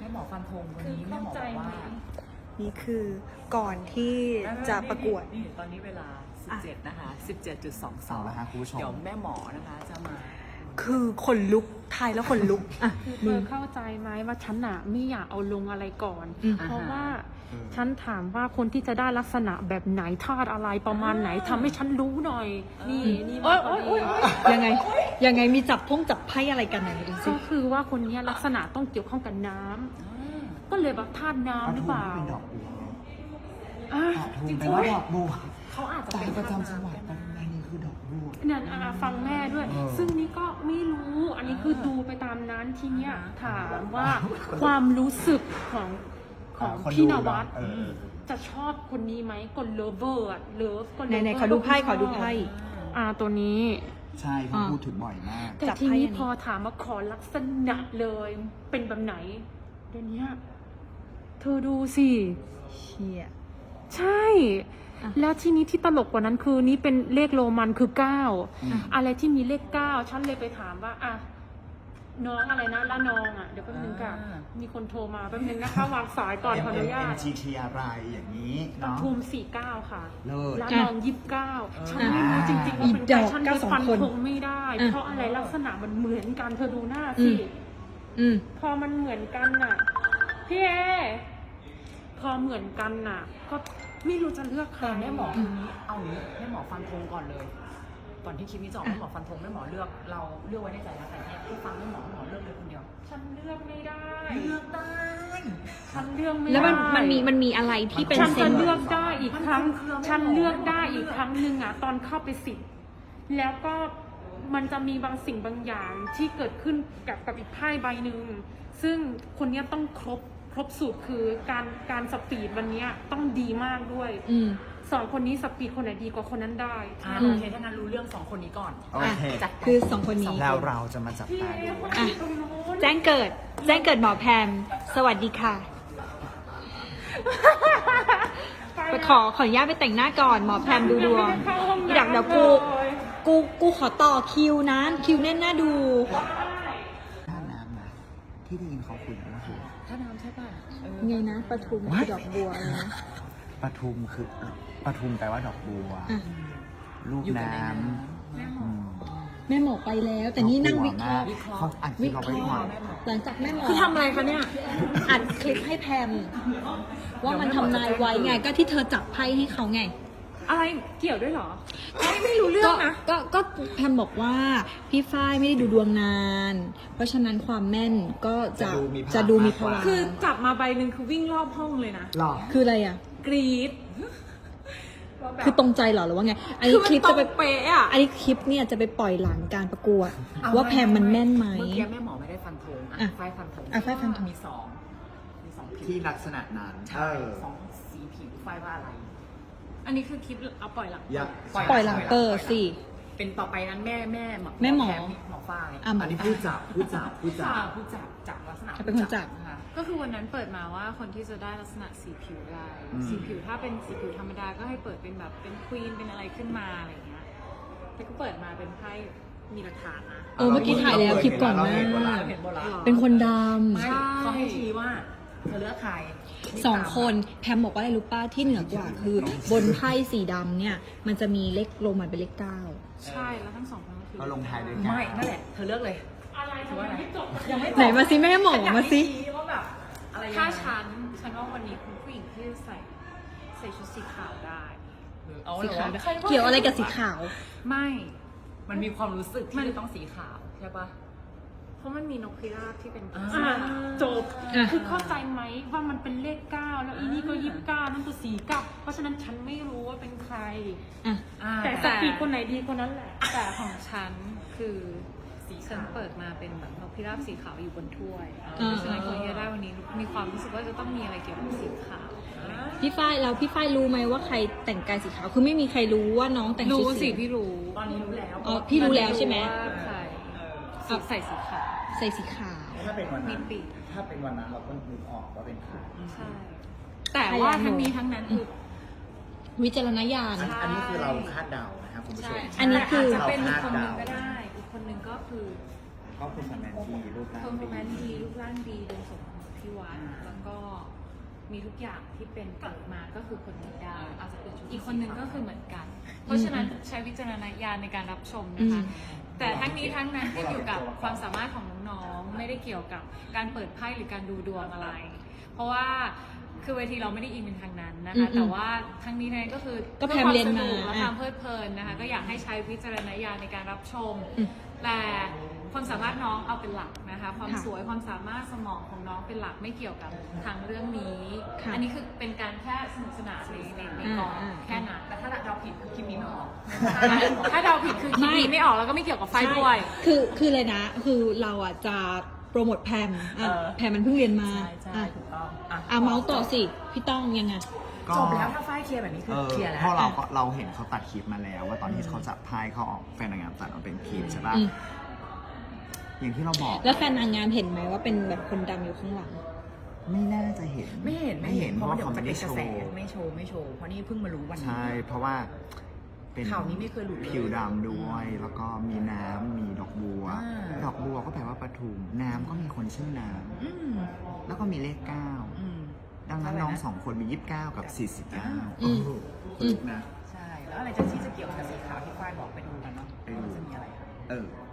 หมอฟันธงวันนี้แม่หมอบอกว่านี่คือก่อนที่จะประกวดนี่ตอนนี้เวลา 17 นะคะ 17.22 แล้วฮะคุณผู้ชมเดี๋ยวแม่หมอนะคะจะมาคือขนลุกทายแล้วขนลุกอ่ะคือเธอเข้าใจไหมว่าฉันอะไม่อยากเอาลงอะไรก่อน เพราะว่าฉันถามว่าคนที่จะได้ลักษณะแบบไหนธาตุอะไรประมาณไหนทำให้ฉันรู้หน่อย นี่นี่มาพอดียังไงมีจับไพ่อะไรกันไหนดูสิก็คือว่าคนนี้ลักษณะต้องเกี่ยวข้องกับน้ำก็เลยแบบธาตุน้ำหรือเปล่าเป็นดอกบัวอ่ะจริงๆว่าดอกบัวเขาอาจจะสาเป็ยนประจำจังหวัดปัตตานีคือดอกบัวเนี่ยฟังแม่ด้วยเออซึ่งนี่ก็ไม่รู้ อันนี้คือดูไปตามนั้นทีเนี้ยถามว่าความรู้สึกของพี่นวัดเออจะชอบคนนี้ไหมก็เลิฟเวอร์อะเลิฟก็ไหนๆขอดูไพ่ขอดูไพ่ตัวนี้ใช่เขาพูดถึงบ่อยมากแต่จับไพ่ทีนี้อันนี้พอถามว่าขอลักษณะเลยเป็นแบบไหนเดี๋ยวนี้เธอดูสิเชี่ยใช่อ่ะแล้วทีนี้ที่ตลกกว่านั้นคือนี่เป็นเลขโรมันคืออืม 9อะไรที่มีเลข 9ฉันเลยไปถามว่าอ่ะน้องอะไรนะละนองอ่ะเดี๋ยวแป๊บนึงค่ะมีคนโทรมาแป๊บนึงนะคะวางสายก่อนขออนุญาต MGT อะไรอย่างนี้ปเนาะทุม49 ค่ะเลิศละนอง29ฉันไม่รู้จริงๆว่าเป็นอีดใครอกฉันเก้าไปสองฟันคนธงไม่ได้อ่ะเพราะอะไรลักษณะมันเหมือนกันเธอดูหน้าอืสิม อืมพอมันเหมือนกันน่ะพี่เอพอเหมือนกันน่ะ ก็ไม่รู้จะเลือกใครแต่แม่หมอคนนี้เอาอย่างนี้แม่หมอฟันธงก่อนเลย ก่อนที่คลิปนี้จะออกแม่หมอฟันธงแม่หมอเลือกเราเลือกไว้ในใจแล้วแต่เนี่ยที่ฟังแม่หมอเลือกเลยคนเดียวฉันเลือกไม่ได้เลือกได้ฉันเลือกไม่ได้แล้วมันมีอะไรที่เป็นฉันเซจะนเลือกได้อีกครั้งมันคือไม่หมอฉันเลือกได้อีกครั้งหนึ่งอ่ะ ตอนเข้าไปสิบแล้วก็มันจะมีบางสิ่งบางอย่างที่เกิดขึ้นกับอีกไพ่ใบหนึ่งซึ่งคนเนี้ยต้องครบสูตรคือการสปีดวันเนี้ยต้องดีมากด้วยอืมสองคนนี้สปีดคนไหนดีกว่าคนนั้นได้โอเคถ้างั้นรู้เรื่องสองคนนี้ก่อนโอเคจัดไปคือสองคนนี้แล้วเราจะมาจับพี่ตาเอดูคนที่ตรงนู้นแจ้งเกิดหมอแพมสวัสดีค่ะ ไปขออนุญาตไปแต่งหน้าก่อนหมอแพมดูดวงยังไม่ไเข้าห้องน้ำเดี๋ยวกูขอต่อคิวนะคิวแน่นน่าดูท่าน้ำนะที่ได้ยินเขาคุยกันก็คือถ้าน้ำใช่ป่ะไงนะปทุมคือดอกบัวเลยนะปทุมคือปทุมแปลว่าดอกบัวอ่ะลูกอยู่กับน้ในน้ำอืมแม่หมอไปแล้ว แต่นี่นั่งวิเคราะห์วิเคราะห์เขาอัดคลิปเราไว้ก่อนหลังจากแม่หมอคือทำอะไรคะเนี่ยอัดคลิปให้แพมว่ามันทำนายไว้ไงก็ที่เธอจับไพ่ให้เขาไงอะไรเกี่ยวด้วยเหรอไม่รู้เรื่องนะก็แพมบอกว่าพี่ฝ้ายไม่ได้ดูดวงนาน เพราะฉะนั้นความแม่นก็จะดูมีพลังคือจับมาใบหนึ่งคือวิ่งรอบห้องเลยนะหรอคืออะไรอ่ะกรี๊ดคือตรงใจเหรอหรือว่าไง อันคืนี้อมันคลิปตรจะไปงเป๊ะอ่ะอันนี้คลิปเนี่ยจะไปปล่อยหลังการประกวด ว่าแพมมันแม่นไหมเมื่อกี้แม่หมอไม่ได้ฟันธงอ่ะฝ้ายฟันธงอ่ะฝ้ายฟันธงมีสองผิวที่ลักษณะนั้นใช่สองสีผิวฝ้ายว่าอะไรอันนี้คือคลิปเอาปล่อยหลังยักปล่อยหลังเปิดสิเป็นต่อไปนั้นแม่แม่หมอแหมอฝ้ายอ่ะหมอัอนนี้ผู้จับผู้จับลักษณะเป็นคนจับนะคะก็คือวันนั้นเปิดมาว่าคนที่จะได้ลักษณะสีผิวอะไร สีผิวถ้าเป็นสีผิวธรรมดาก็ให้เปิดเป็นแบบเป็นควีนเป็นอะไรขึ้นมาอะไรอย่างเงี้ยแต่ก็เปิดมาเป็นไพ่มีหลักฐานนะเมื่อกี้ถ่ายแล้วคลิปก่อนหน้าเห็นโบราณเป็นคนดไม่เขาให้ชี้ว่าเธอเลือกใครำสองคนแพมบอกว่าอะไรรู้ป้าที่เหนือกว่าคือบนไพ่สีดำเนี่ย มันจะมีเลขโรมันเป็นเลขเก้าใช่แล้วทั้งสองคนก็คือเราลงท้ายด้วยกันไม่นั่นแหละเธอเลือกเลยอะไรทำไมไม่จบยังไม่ไหนมาสิแม่หมอมาสิชี้ว่าแบบอะไรยังไงถ้าฉันว่าวันนี้คุณผู้หญิงที่ใส่ชุดสีขาวได้เอาสีเหรอขาวด้วยเกี่ยวอะไรกับสีขาวไม่มันมีความรู้สึกที่จะต้องสีขาวใช่ปะเพราะมันมีนกพิราบที่เป็นอ่าจบอ่ะคือเข้าใจไหมว่ามันเป็นเลข 9 แล้วอีนี่ก็ 29 นั่นก็49เพราะฉะนั้นฉันไม่รู้ว่าเป็นใครอ่ะอ่าแต่สปีดคนไหนดีคนนั้นแหละแต่ของฉันคือสีฉัขาน วเปิดมาเป็นแบบนกพิราบสีขาวอยู่บนถ้วยอ่าเพราะฉะนั้นคนที่จะได้วันนี้มีความรู้สึกว่าจะต้องมีอะไรเกี่ยวกับสีขาวพี่ฝ้ายแล้วพี่ฝ้ายรู้ไหมว่าใครแต่งกายสีขาว คือไม่มีใครรู้ว่าน้องแต่งชุรู้ดสิพี่รู้ตอนนี้รู้แล้วอ๋อพี่รู้แล้วใช่ไหมว่าใครใส่สีขาวใส่สีขาวถ้าเป็นวันนั้นมีปีกถ้าเป็นวันนั้นเราก็นึกออกว่าเป็นใครใช่ แต่ว่าทั้งนี้ทั้งนั้นคือวิจารณญาณอันนี้คือเราคาดเดานะครับคุณผู้ชใช่มอันนี้คือจะเป็นอีกเราคนหนึ่งคาดเดาก็ได้ อีกคนหนึ่งก็คือก็คุณสแมนที่รูปร่างเพอร์ฟอร์แมนซ์ดีดีรูปร่างดีเดินสมที่วัดแล้วก็มีทุกอย่างที่เป็นเกิดมาก็คือคนนี้ได้อาจจะเป็นชุดอีกคนนึงก็คือเหมือนกัน เพราะฉะนั้นใช้วิจารณญาณในการรับชมนะคะ แต่ทั้งนี้ทั้งนั้นขึ้นอยู่กับความสามารถของน้องๆ ไม่ได้เกี่ยวกับการเปิดไพ่หรือการดูดวงอะไร เพราะว่าคือเวทีเราไม่ได้อินเป็นทางนั้นนะคะ แต่ว่าทั้งนี้ทั้งนั้นก็คือก็พยายามเรียนมาและความเพลิดเพลินนะคะ ก็อยากให้ใช้วิจารณญาณในการรับชม แต่ความสามารถน้องเอาเป็นหลักนะคะ ความค่ะสวยความสามารถสมองของน้องเป็นหลักไม่เกี่ยวกับทางเรื่องนี้ค่ะอันนี้คือเป็นการแค่สนุกสนานในกองอ่าแค่นั้นแต่ถ้าเราผิดคือคลิปนี้ไม่ออกถ้าเดาผิดคือคลิปนี้ไม่ออกแล้วก็ไม่เกี่ยวกับไฟด้วยคือเลยนะ คือเราอ่ะจะโปรโมทแพมแพมมันเพิ่งเรียนมาใช่ถูกต้องเมาส์ต่อสิ พี่ต้องยังไงก็จบแล้วถ้าฝ้ายเคลียร์แบบนี้คือเคลียร์แล้วเพราะเราเห็นเขาตัดคลิปมาแล้ว ว่าตอนที่เขาจับไพ่เขาออกแฟนนางงามตัดออกเป็นคลิปใช่ป่ะอืมอย่างที่เราบอกแล้วแฟนนางงามเห็นไหมว่าเป็นแบบคนดำอยู่ข้างหลังไม่น่าจะเห็นไม่เห็นเพราะว่าเขาจะไม่เป็ได้นกโชระแสว์ไม่โชว์เพราะนี่เพิ่งมารู้วันนี้ใช่ เพราะว่าเป็นข่าวนี้ไม่เคยหลุดเลยผิวดำด้วย แล้วก็มีน้ำมีดอกบัวอ่าดอกบัวก็แปลว่าปทุมน้ำก็มีคนชื่อน้อืมำแล้วก็มีเลขอืม 9 ดังนั้นน้องสองคนมี 29 กับ 49 อืมถูกนะใช่ แล้วอะไรที่จะเกี่ยวกับสีขาวที่ฝ้ายบอกไปดูกันเนาะไปดูว่าจะมีอะไรเออ